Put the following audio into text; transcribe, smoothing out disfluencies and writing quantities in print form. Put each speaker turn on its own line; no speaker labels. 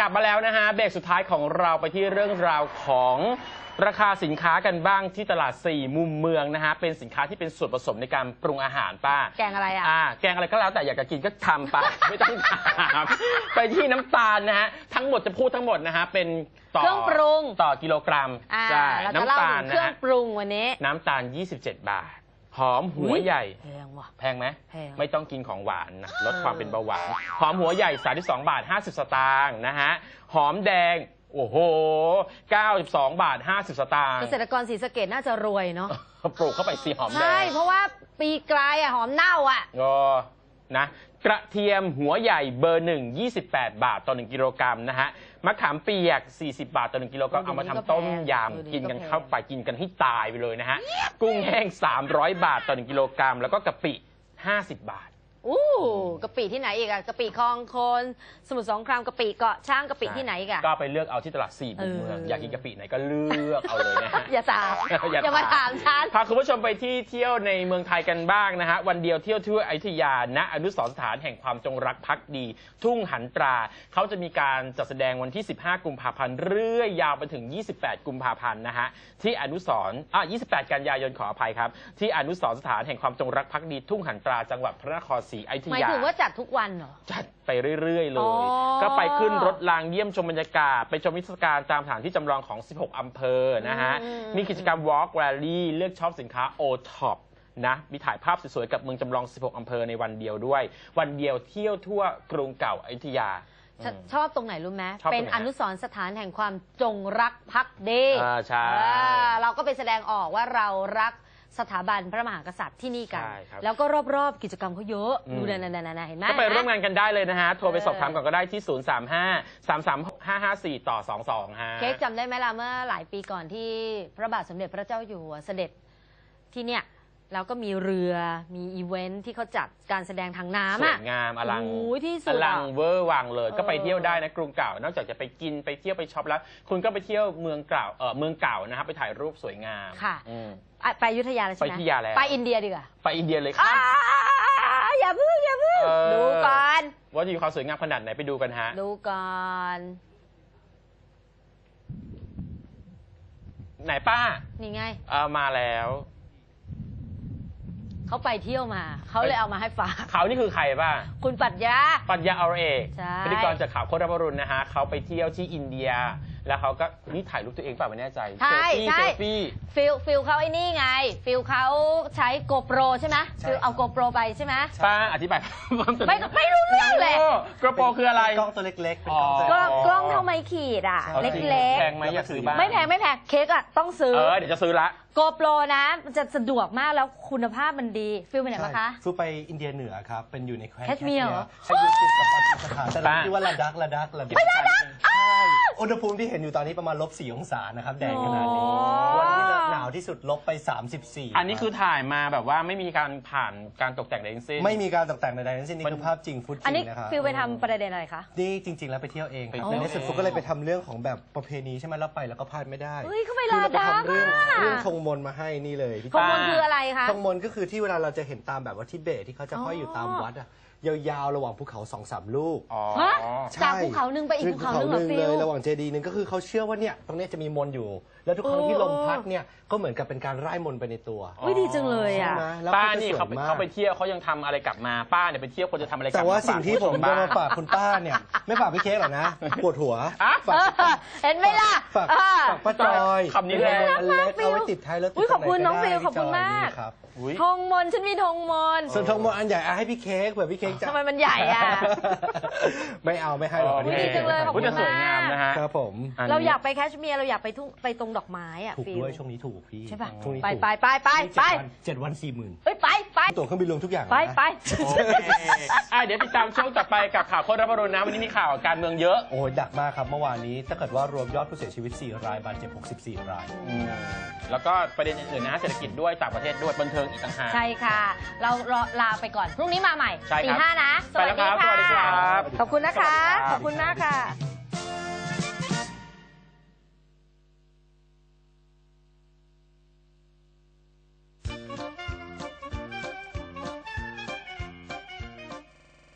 ลับมาแล้วนะฮะเบรกสุดท้ายของเราไปที่เรื่องราวของราคาสินค้ากันบ้างที่ตลาด4มุมเมืองนะฮะเป็นสินค้าที่เป็นส่วนผสมในการปรุงอาหารป้า
แกงอะไร
แกงอะไรก็แล้วแต่อยากจะกินก็ทำไป ไม่ต้องถามไปที่น้ำตาลนะฮะทั้งหมดจะพูดทั้งหมดนะฮะเป็น
เครื่องปรุง
ต่อกิโลกรัม
ใช่น้ำตาลเครื่องปรุงวันนี้
น้ำตาล27 บาทหอมหัวใหญ่
แพงว่ะ
แพงไหมไม่ต้องกินของหวานนะลดความเป็นเบาหวานหอมหัวใหญ่32 บาท 50 สตางค์นะฮะหอมแดงโอ้โห92 บาท 50 สตางค์
เกษตรกรศรีสะเกษน่าจะรวยเนาะ
ปลูกเข้าไปสีหอมแดง
ใช่เพราะว่าปีกลายหอมเน่า
นะกระเทียมหัวใหญ่เบอร์1 28 บาทต่อ1กิโลกรัมนะฮะมะขามเปียก40 บาทต่อ1กิโลกรัมเอามาทำต้มยำกินกันเข้าไปกินกันให้ตายไปเลยนะฮะกุ้งแห้ง300 บาทต่อ1กิโลกรัมแล้วก็กะปิ50 บาท
กะปิที่ไหนอีกกะปิคลองโคนสมุทรสงครามกะปิเกาะช้างกะปิที่ไหนอีก
ก็ไปเลือกเอาที่ตลาด4มุมเมืองอยากกินกะปิไหนก็เลือกเอาเลยนะฮะ
อย่าถามอย่ามาถามฉัน
พาคุณผู้ชมไปที่เที่ยวในเมืองไทยกันบ้างนะฮะวันเดียวเที่ยวทั่วอยุธยาณอนุสรณ์สถานแห่งความจงรักภักดี ทุ่งหันตราเขาจะมีการจัดแสดงวันที่15 กุมภาพันธ์เรื่อยยาวไปถึง28 กุมภาพันธ์นะฮะที่อนุสรณ์28 กันยายนขออภัยครับที่อนุสรณ์สถานแห่งความจงรักภักดีทุ่งหันตราจังหวัดพระนครศรีอยุธยา
หมายถึงว่าจัดทุกวันเหรอ
จัดไปเรื่อยๆเลยก็ไปขึ้นรถรางเยี่ยมชมบรรยากาศไปชมนิทรรศการตามสถานที่จำลองของ16 อำเภอนะฮะมีกิจกรรม Walk Rally เลือกช็อปสินค้า O-Top นะมีถ่ายภาพสวยๆกับเมืองจำลอง16 อำเภอในวันเดียวด้วยวันเดียวเที่ยวทั่วกรุงเก่าอยุธยา
ชอบตรงไหนรู้ไหมเป็นอนุสรณ์สถานแห่งความจงรักภักดี
ใช่
เราก็ไปแสดงออกว่าเรารักสถาบันพระมหากษัตริย์ที่นี่กันแล้วก็รอบๆกิจกรรมเขาเยอะดูนั่นเห็นไหม
ก็ไปร่วมงานกันได้เลยนะฮะโทรไปสอบถามก่อนก็ได้ที่035-336-554-222ฮะ
เค้กจำได้ไหมล่ะเมื่อหลายปีก่อนที่พระบาทสมเด็จพระเจ้าอยู่หัวเสด็จที่เนี่ยแล้วก็มีเรือมีอีเวนท์ที่เขาจัดการแสดงทางน้ำ
สวยงามอลังเวอร์วังเลยก็ไปเที่ยวได้นะกรุงเก่านอกจากจะไปกินไปเที่ยวไปช็อปแล้วคุณก็ไปเที่ยวเมืองเก่านะครับไปถ่ายรูปสวยงาม
ค่ะไปอยุธยาเลยใช่ไหม
ไปอยุธยาแล้ว
ไปอินเดียดีกว่า
ไปอินเดียเลยค่ะ
อย่าพึ่งดูก่อน
ว่าจะมีความสวยงามขนาดไหนไปดูกันฮะ
ดูก่อน
ไหนป้า
นี่ไง
มาแล้ว
เขาไปเที่ยวมาเขาเลยเอามาให้ฝาก
เขานี่คือใครบ้าง
คุณปรัชญา
อรเอกพิธีกรจากข่าวโคตรบรุณนะฮะเขาไปเที่ยวที่อินเดียแล้วเขาก็นี่ถ่ายรูปตัวเองเปล่าไม่แน่ใจ
เซลฟี่ฟิลเขาไอ้นี่ไงฟิลเขาใช้โกโปรใช่ไหมฟิลเอาโกโปรไปใช่ไหม
ป้าอธิบาย
ไม่รู้เรื่องเลย
โกโปรคืออะไร
กล้องตัวเล็กๆเป็น
กล้องเท่าไม้ขีดเล็กๆ
แพงไหมอยากซื้อบ้าง
ไม่แพงเค้กต้องซื้อ
เดี๋ยวจะซื้อละ
โกโปรนะมันจะสะดวกมากแล้วคุณภาพมันดีฟิลไปไหนมาคะ
ฟิลไปอินเดียเหนือครับเป็นอยู่ในแคว้น
แคชเมียร์
ใช่อยู่ติดกับปากีสถานแต่ที่ว่าระดัก
ไม่ระดัก
อุณหภูมิที่เห็นอยู่ตอนนี้ประมาณ-4 องศานะครับแดดขนาดนี้วันที่หนาวที่สุดลบไป34
อันนี้คือถ่ายมาแบบว่าไม่มีการผ่านการตกแต่งใดทั้งสิ้น
ไม่มีการตกแต่งใดทั้งสิ้นนี่คือภาพจริงฟุตจริงนะครับ
ฟิลไปทำประเด็นอะไรคะ
นี่จริงๆแล้วไปเที่ยวเองในที่สุดฟุตก็เลยไปทำเรื่องของแบบประเพณีใช่ไหมแล้วไปแล้วก็พลาดไม่ได้
เขาไปลาดา
เรื่องธงมนมาให้นี่เลย
ธงมนคืออะไรคะ
ธงมนก็คือที่เวลาเราจะเห็นตามแบบว่าทิเบตที่เขาจะห้อยอยู่ตามวัดยาวๆระหว่างภูเขา 2-3 ลูก
จากภูเขาหนึ่งไปอีกภูเขาหนึ่ง
เลยระหว่างเจดีย์นึงก็คือเขาเชื่อว่าเนี่ยตรงนี้จะมีมนอยู่แล้วทุกครั้งที่ลมพัดเนี่ยก็เหมือนกับเป็นการไล่มนไปในตัว
ดีจังเลย
ป้านี่เขาไปเที่ยวเขายังทำอะไรกลับมาป้าเนี่ยไปเที่ยวคนจะทำอะไรกลับมา
แต่ว่าสิ่งที่ผมจะมาฝากคุณป้าเนี่ยไม่ฝากพี่เค้กหรอกนะปวดหัว
เห็นไหมล่ะ
ฝากป้าจอย
คำนี้เลย
เอาไว้ติดท้ายรถ
ขอบคุณน้องฟิลขอบคุณมากธงมนฉันมีธงมน
ส่วนธงมนอันใหญ่ให้พี่เค้กเผื่อพี่เค้กจะ
ทำไมมันใหญ่
ไม่เอาไม่ให้หรอก
ดีจังเลยขอบคุณมาก
สวยงามนะฮะ
ครับผม
เราอยากไปแคชเมียร์เราอยากไปตรงดอกไม้
ถูกด้วยช่วงนี้ถูกพี่
ใช่ป่ะ
ช่วงนี้
ไป
7 วัน 40,000
ไป
ตั๋วเครื่องบินรวมทุกอย่าง
ไป
เดี๋ยวติดตามช่วงต่อไปกับข่าวโคตรบรุณนะวันนี้มีข่าวการเมืองเยอะ
โอ้ยดักมากครับเมื่อวานนี้ถ้าเกิดว่ารวมยอดผู้เสียชีวิต4 รายบาดเจ็บ64 ราย
แล้วก็ประเด็นอื่นๆนะเศรษฐกิจด้วยต่างประเทศด้วยบันเทิงอีกต่างหาก
ใช่ค่ะเราลาไปก่อนพรุ่งนี้มาใหม่4-5นะ
สวัสดีครับ
ขอบคุณนะคะขอบคุณมากค่ะ